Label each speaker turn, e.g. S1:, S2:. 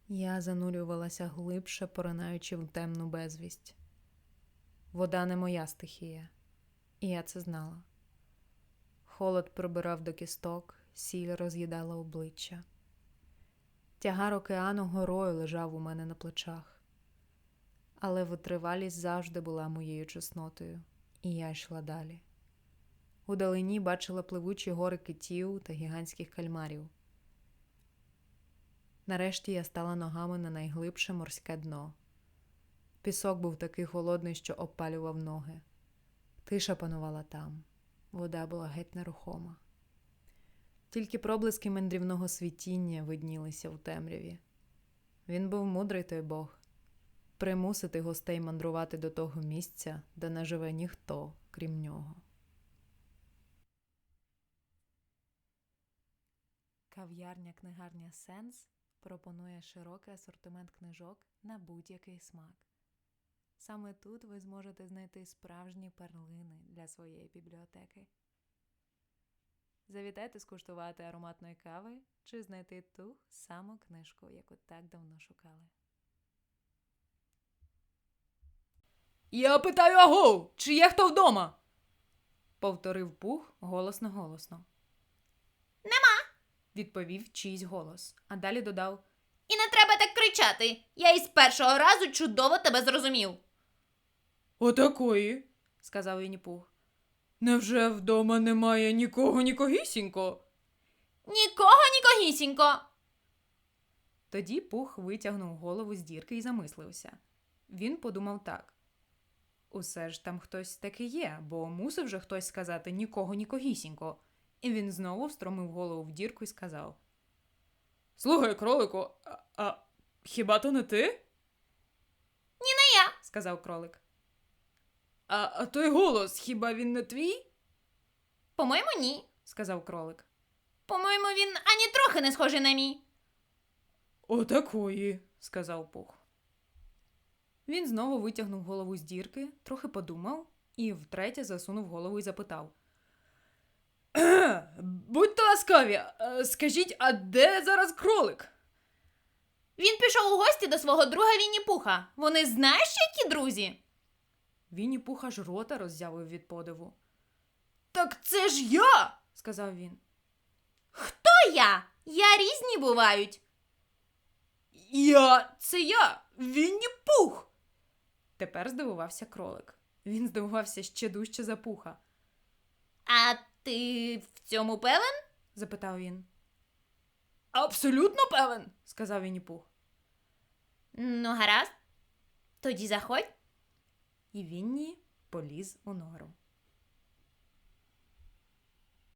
S1: Я занурювалася глибше, поринаючи в темну безвість. Вода не моя стихія, і я це знала. Холод пробирав до кісток, сіль роз'їдала обличчя. Тягар океану горою лежав у мене на плечах. Але витривалість завжди була моєю чеснотою, і я йшла далі. Удалині бачила пливучі гори китів та гігантських кальмарів. Нарешті я стала ногами на найглибше морське дно. Пісок був такий холодний, що обпалював ноги. Тиша панувала там. Вода була геть нерухома. Тільки проблиски мандрівного світіння виднілися у темряві. Він був мудрий той Бог. Примусити гостей мандрувати до того місця, де не живе ніхто, крім нього. Кав'ярня-книгарня «Сенс» пропонує широкий асортимент книжок на будь-який смак. Саме тут ви зможете знайти справжні перлини для своєї бібліотеки. Завітайте скуштувати ароматної кави чи знайти ту саму книжку, яку так давно шукали.
S2: «Я питаю, агов, чи є хто вдома?» Повторив Пух голосно-голосно.
S3: «Нема!»
S2: Відповів чийсь голос, а далі додав:
S3: «І не треба так кричати! Я із першого разу чудово тебе зрозумів!»
S2: «Отакої», – сказав Вінні-Пух. «Невже вдома немає нікого-нікогісінько?»
S3: «Нікого-нікогісінько!»
S2: Тоді Пух витягнув голову з дірки і замислився. Він подумав так. Усе ж там хтось таки є, бо мусив же хтось сказати нікого-нікогісінько. І він знову встромив голову в дірку і сказав: «Слухай, кролику, а хіба то не ти?»
S3: «Ні, не я»,
S2: – сказав кролик. «А той голос, хіба він не твій?»
S3: «По-моєму, ні»,
S2: – сказав кролик.
S3: «По-моєму, він ані трохи не схожий на мій».
S2: «Отакої», – сказав Пух. Він знову витягнув голову з дірки, трохи подумав і втретє засунув голову і запитав: «Будьте ласкаві, скажіть, а де зараз кролик?»
S3: «Він пішов у гості до свого друга Вінні-Пуха. Вони знаєш, які друзі?»
S2: Вінні-Пух аж рота роззявив від подиву. «Так це ж я!» – сказав він.
S3: «Хто я? Я різні бувають».
S2: Це я, Вінні-Пух!» Тепер здивувався кролик. Він здивувався ще дужче за Пуха.
S3: «А ти в цьому певен?»
S2: – запитав він. «Абсолютно певен!» – сказав Вінні-Пух.
S3: «Ну, гаразд. Тоді заходь».
S2: І Вінні поліз у нору.